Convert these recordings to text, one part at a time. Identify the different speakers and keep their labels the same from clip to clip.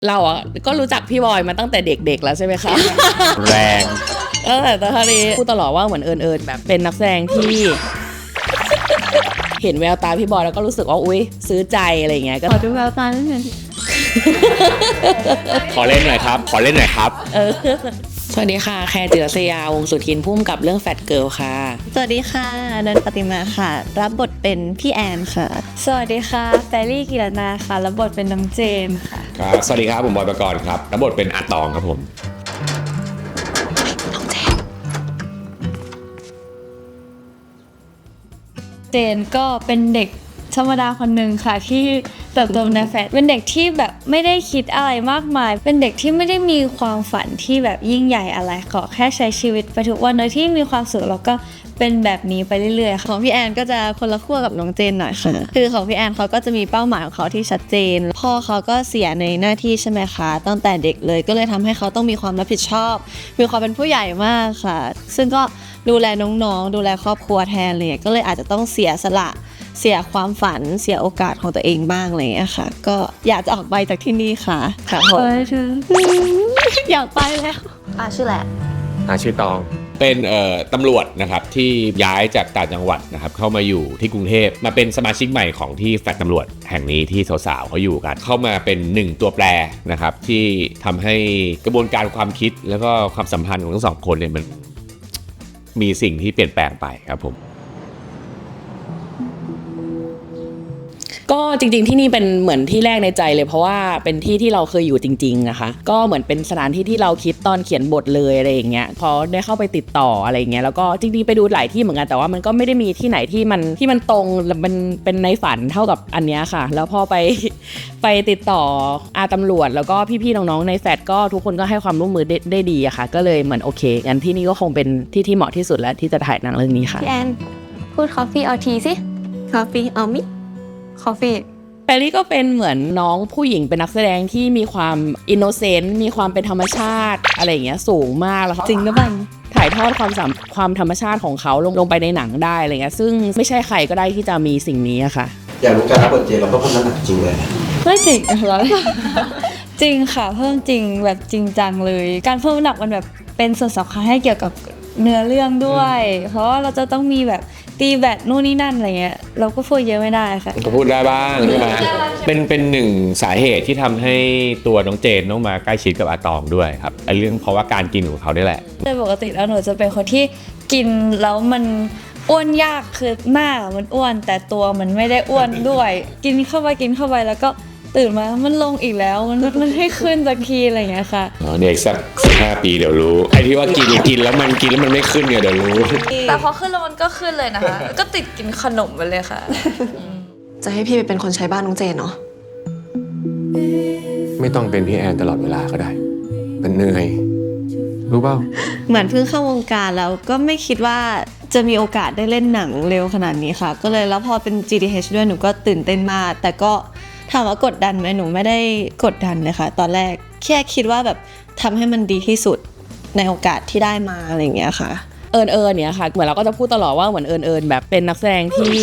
Speaker 1: เราอ่ะก็รู้จักพี่บอยมาตั้งแต่เด็กๆแล้วใช่ไหมคะ
Speaker 2: แรง
Speaker 1: ตั้งแต่ตอนนี้พูดตลอดว่าเหมือนเอิญแบบเป็นนักแสดงที่ เห็นแววตาพี่บอยแล้วก็รู้สึกว่าอุ๊ยซื้อใจอะไรเงี้ยก็
Speaker 3: ขอดูแววตานิดนึง
Speaker 2: ขอเล่นหน่อยครับ ขอเล่นหน่อยครับ
Speaker 1: สวัสดีค่ะแคร์จิรศยาวงศ์สุทินพุ่มกับเรื่องแฟตเกิร์ลค่ะ
Speaker 3: สวัสดีค่ะนันปฏิมาค่ะ รับบทเป็นพี่แอนค่ะ สวัสดีค่ะแฟรี่กิรนาค่ะ รับบทเป็นน้องเจนค่ะ
Speaker 2: ครับ สวัสดีครับผมบอยปกรณ์ครับรับบทเป็นอาตองครับผม
Speaker 3: เจนก็เป็นเด็กธรรมดาคนหนึ่งค่ะที่เติบโตในแฟลตเป็นเด็กที่แบบไม่ได้คิดอะไรมากมาย เป็นเด็กที่ไม่ได้มีความฝันที่แบบยิ่งใหญ่อะไรขอแค่ใช้ชีวิตไปทุกวันโดยที่มีความสุขแล้วก็เป็นแบบนี้ไปเรื่อยๆของพี่แอนก็จะคนละขั้วกับน้องเจนหน่อยค่ะคือของพี่แอนเขาก็จะมีเป้าหมายของเขาที่ชัดเจนพ่อเขาก็เสียในหน้าที่ใช่ไหมคะตั้งแต่เด็กเลยก็เลยทำให้เขาต้องมีความรับผิดชอบมีความเป็นผู้ใหญ่มากค่ะซึ่งก็ดูแลน้องๆดูแลครอบครัวแทนเลยก็เลยอาจจะต้องเสียสละเสียความฝันเสียโอกาสของตัวเองบ้างอะไรอย่างเงี้ยค่ะก็อยากจะออกไปจากที่นี่ค่ะค่ะผมอยากไปแล้วชื่อแหละ
Speaker 2: ชื่อตองเป็นตำรวจนะครับที่ย้ายจากต่างจังหวัดนะครับเข้ามาอยู่ที่กรุงเทพมาเป็นสมาชิกใหม่ของที่แฟลตตำรวจแห่งนี้ที่สาวๆเขาอยู่กันเข้ามาเป็น1ตัวแปรนะครับที่ทำให้กระบวนการความคิดแล้วก็ความสัมพันธ์ของทั้งสองคนเนี่ยมันมีสิ่งที่เปลี่ยนแปลงไปครับผม
Speaker 1: ก็จริงๆที่นี่เป็นเหมือนที่แรกในใจเลยเพราะว่าเป็นที่ที่เราเคยอยู่จริงๆนะคะก็เหมือนเป็นสถานที่ที่เราคิดตอนเขียนบทเลยอะไรอย่างเงี้ยพอได้เข้าไปติดต่ออะไรอย่างเงี้ยแล้วก็จริงๆไปดูหลายที่เหมือนกันแต่ว่ามันก็ไม่ได้มีที่ไหนที่มันตรงมันเป็นในฝันเท่ากับอันเนี้ยค่ะแล้วพอไปติดต่อตำรวจแล้วก็พี่ๆน้องๆในแฟลตก็ทุกคนก็ให้ความร่วมมือได้ดีอะค่ะก็เลยเหมือนโอเคงั้นที่นี่ก็คงเป็นที่เหมาะที่สุดแล้วที่จะถ่ายหนังเรื่องนี้ค่ะ
Speaker 3: พี่แอนพูดคอฟฟี่เอาทีสิคอฟฟี่เอามิคอฟฟี่
Speaker 1: แปรลี่ก็เป็นเหมือนน้องผู้หญิงเป็นนักแสดงที่มีความอินโนเซนต์มีความเป็นธรรมชาติอะไรอย่างเงี้ยสูงมากแล้วเขา
Speaker 3: จริงหรือเปล่า
Speaker 1: ถ่ายทอดความธรรมชาติของเขาลงไปในหนังได้อะไรเงี้ยซึ่งไม่ใช่ใครก็ได้ที่จะมีสิ่งนี้อะค่ะ
Speaker 4: อยากรู้การรับบทเจนเราก็เพิ่มน้ำหนักจริงเลย
Speaker 3: ไม่จริงเหรอจริงค่ะเพิ่มจริงแบบจริงจังเลยการเพิ่มน้ำหนักมันแบบเป็นส่วนสำคัญให้เกี่ยวกับเนื้อเรื่องด้วยเพราะว่าเราจะต้องมีแบบตีแบตนู่นนี่นั่นอะไรเงี้ยเราก็พูดเยอะไม่ได้ค่ะ
Speaker 2: ก็พูดได้บ้างใช่ไหมเป็นหนึ่งสาเหตุที่ทำให้ตัวน้องเจนต้องมาใกล้ชิดกับอาตองด้วยครับไอ้เรื่องเพราะว่าการกินของเขาได้แหละ
Speaker 3: โดยปกติแล้วหนูจะเป็นคนที่กินแล้วมันอ้วนยากคือหน้ามันอ้วนแต่ตัวมันไม่ได้อ้วนด้วยกินเข้าไปแล้วก็ตื่นมามันลงอีกแล้วมันให้ขึ้นสักทีอะไรอย่างเงี้ยค่ะ
Speaker 2: เด็กสัก15 ปีเดี๋ยวรู้ไอ้ที่ว่ากินแล้วมันไม่ขึ้นเนี่ยเดี๋ยวรู้
Speaker 3: แต่พอขึ้นแล้วมันก็ขึ้นเลยนะคะก็ติดกินขนมไปเลยค่ะ
Speaker 5: จะให้พี่ไปเป็นคนใช้บ้านน้องเจนเนาะ
Speaker 2: ไม่ต้องเป็นพี่แอนตลอดเวลาก็ได้มันเหนื่อยรู้เปล่า
Speaker 3: เหมือนเพิ่งเข้าวงการแล้วก็ไม่คิดว่าจะมีโอกาสได้เล่นหนังเร็วขนาดนี้ค่ะก็เลยแล้วพอเป็น GDH ด้วยหนูก็ตื่นเต้นมากแต่ก็ถามว่ากดดันไหมหนูไม่ได้กดดันเลยค่ะตอนแรกแค่คิดว่าแบบทำให้มันดีที่สุดในโอกาสที่ได้มาอะไรอย่างเงี้ยค่ะ
Speaker 1: เอิญเนี่ยค่ะเหมือนเราก็จะพูดตลอดว่าเหมือนเอิญแบบเป็นนักแสดงที่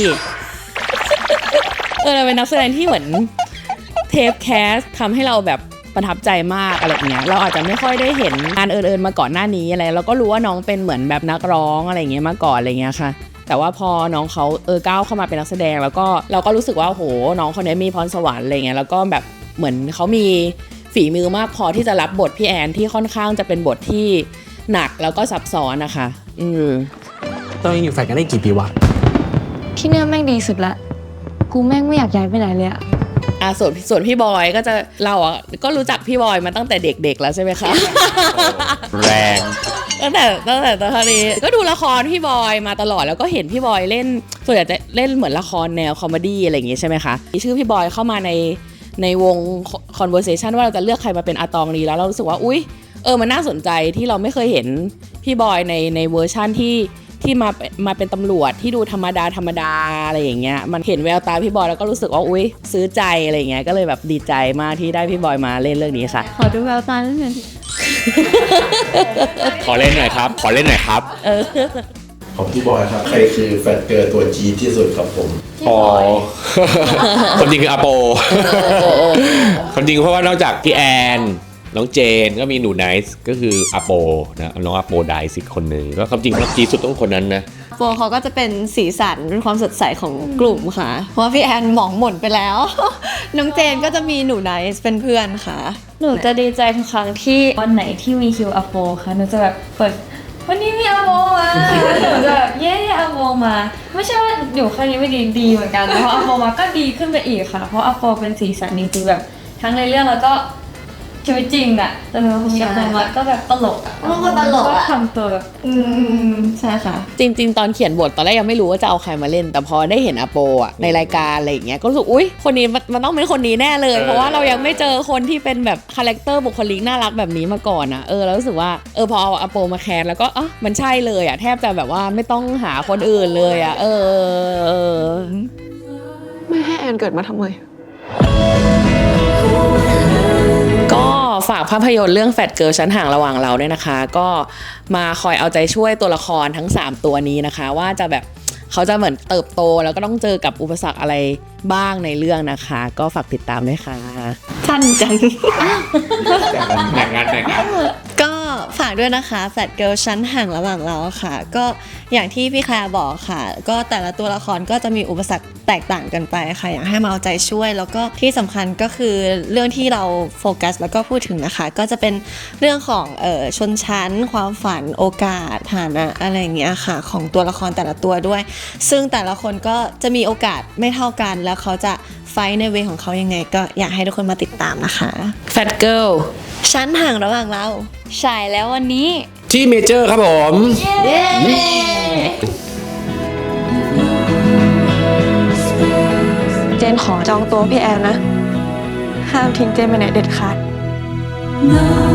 Speaker 1: เป็นนักแสดงที่เหมือนเทปแคสทำให้เราแบบประทับใจมากอะไรอย่างเงี้ยเราอาจจะไม่ค่อยได้เห็นงานเอิญมาก่อนหน้านี้อะไรเราก็รู้ว่าน้องเป็นเหมือนแบบนักร้องอะไรอย่างเงี้ยมาก่อนอะไรเงี้ยค่ะแต่ว่าพอน้องเขาก้าวเข้ามาเป็นนักแสดงแล้วก็เราก็รู้สึกว่าโหน้องคนนี้มีพรสวรรค์อะไรเงี้ยแล้วก็แบบเหมือนเขามีฝีมือมากพอที่จะรับบทพี่แอนที่ค่อนข้างจะเป็นบทที่หนักแล้วก็ซับซ้อนนะคะ
Speaker 4: ต้องยังอยู่แฟลตกันได้กี่ปีวะ
Speaker 3: ที่เนี่ยแม่งดีสุดละกูแม่งไม่อยากย้ายไปไหนเลยอะ
Speaker 1: ส่วนพี่บอยก็จะเราก็รู้จักพี่บอยมาตั้งแต่เด็กๆแล้วใช่ไหมคะ
Speaker 2: แรง
Speaker 1: ตั้งแต่ตอนนี้ก็ดูละครพี่บอยมาตลอดแล้วก็เห็นพี่บอยเล่นส่วนใหญ่จะเล่นเหมือนละครแนวคอมเมดี้อะไรอย่างงี้ใช่ไหมคะมีชื่อพี่บอยเข้ามาในวง conversation ว่าเราจะเลือกใครมาเป็นอาตองดีแล้วเรารู้สึกว่าอุ๊ยมันน่าสนใจที่เราไม่เคยเห็นพี่บอยในเวอร์ชั่นที่มาเป็นตำรวจที่ดูธรรมดาอะไรอย่างเงี้ยมันเห็นแววตาพี่บอยแล้วก็รู้สึกว่าอุ๊ยซื้อใจอะไรอย่างเงี้ยก็เลยแบบดีใจมากที่ได้พี่บอยมาเล่นเรื่องนี้ค่ะ
Speaker 3: ขอดูแววตานิดนึง
Speaker 2: ขอเล่นหน่อยครับขอเล่นหน่อยครับ
Speaker 6: ของพี่บอยครับ ใครคือแฟนเกิร์ลตัวจี๊ดที่สุดครับผม
Speaker 2: อ๋อ คนจริงคืออาโปคนจริงเพราะว่านอกจากพี่แอนน้องเจนก็มีหนูไนซ์ก็คืออาโปนะน้องอาโปไดซ์อีกคนหนึ่งก็ความจริงจี๊ดสุดต้องคนนั้นนะ
Speaker 7: โปเขาก็จะเป็นสีสันเป็นความสดใสของกลุ่มค่ะ เพราะว่าพี่แอนหมองหม่นไปแล้ว น้องเจนก็จะมีหนูไนซ์เป็นเพื่อนค่ะ
Speaker 3: หนูจะดีใจทุกครั้งที่วันไหนที่มีคิวอโปค่ะหนูจะแบบเปิดวันนี้มีอโปมาหนูจะแบบเย้อโปมาไม่ใช่ว่าอยู่แค่นี้ไม่ดีเหมือนกันเพราะอโปมาก็ดีขึ้นไปอีกค่ะเพราะอโปเป็นสีสันจริงๆแบบทั้งในเรื่องแล้วก็ชีวิตจริงอะแต่เป็นคนกับโปมาก็แบบตลกอะ
Speaker 7: มันก็ตลกอะ
Speaker 3: ก็ทำตัวแบบ
Speaker 7: ใช่ค่ะ
Speaker 1: จริงๆ ตอนเขียนบทตอนแรกยังไม่รู้ว่าจะเอาใครมาเล่น แต่พอได้เห็นอาโปอ่ะในรายการอะไรอย่างเงี้ยก็รู้สึกอุ๊ยคนนี้มันต้องเป็นคนนี้แน่เลย เพราะว่าเรายังไม่เจอคนที่เป็นแบบคาแรคเตอร์บุคลิกน่ารักแบบนี้มาก่อนอ่ะแล้วรู้สึกว่าพอเอาอาโปมาแคสแล้วก็มันใช่เลยอ่ะแทบจะแบบว่าไม่ต้องหาคนอื่นเลยอ่ะ
Speaker 5: ไม่ให้แอนเกิดมาทำไม
Speaker 1: ก็ฝากภาพยนตร์เรื่องแฟตเกิร์ลชั้นห่างระหว่างเราด้วยนะคะ ก็มาคอยเอาใจช่วยตัวละครทั้ง3ตัวนี้นะคะว่าจะแบบเขาจะเหมือนเติบโตแล้วก็ต้องเจอกับอุปสรรคอะไรบ้างในเรื่องนะคะ ก็ฝากติดตามด้วยค่ะ
Speaker 7: สั้นจัง
Speaker 2: แบ่งงาน
Speaker 7: ก็ฝากด้วยนะคะแฟลตเกิร์ลชั้นห่างระหว่างเราค่ะ ก็อย่างที่พี่แคลร์บอกค่ะ ก็แต่ละตัวละครก็จะมีอุปสรรคแตกต่างกันไปค่ะอยากให้มาเอาใจช่วย แล้วก็ที่สำคัญก็คือเรื่องที่เราโฟกัสแล้วก็พูดถึงนะคะ ก็จะเป็นเรื่องของชนชั้น ความฝันโอกาสฐานะอะไรอย่างเงี้ยค่ะของตัวละครแต่ละตัวด้วย ซึ่งแต่ละคนก็จะมีโอกาสไม่เท่ากันแล้วเขาจะไฟท์ในเวของเขายังไง ก็อยากให้ทุกคนมาติดตามนะคะ
Speaker 1: Fat Girl
Speaker 7: ชั้นห่างระหว่างเรา
Speaker 3: ฉายแล้ววันนี้
Speaker 2: ที่เมเจอร์ครับผม
Speaker 5: เจนขอจองตัวพี่แอนนะ ห้ามทิ้งเจนไปไหนเด็ดขาด
Speaker 8: No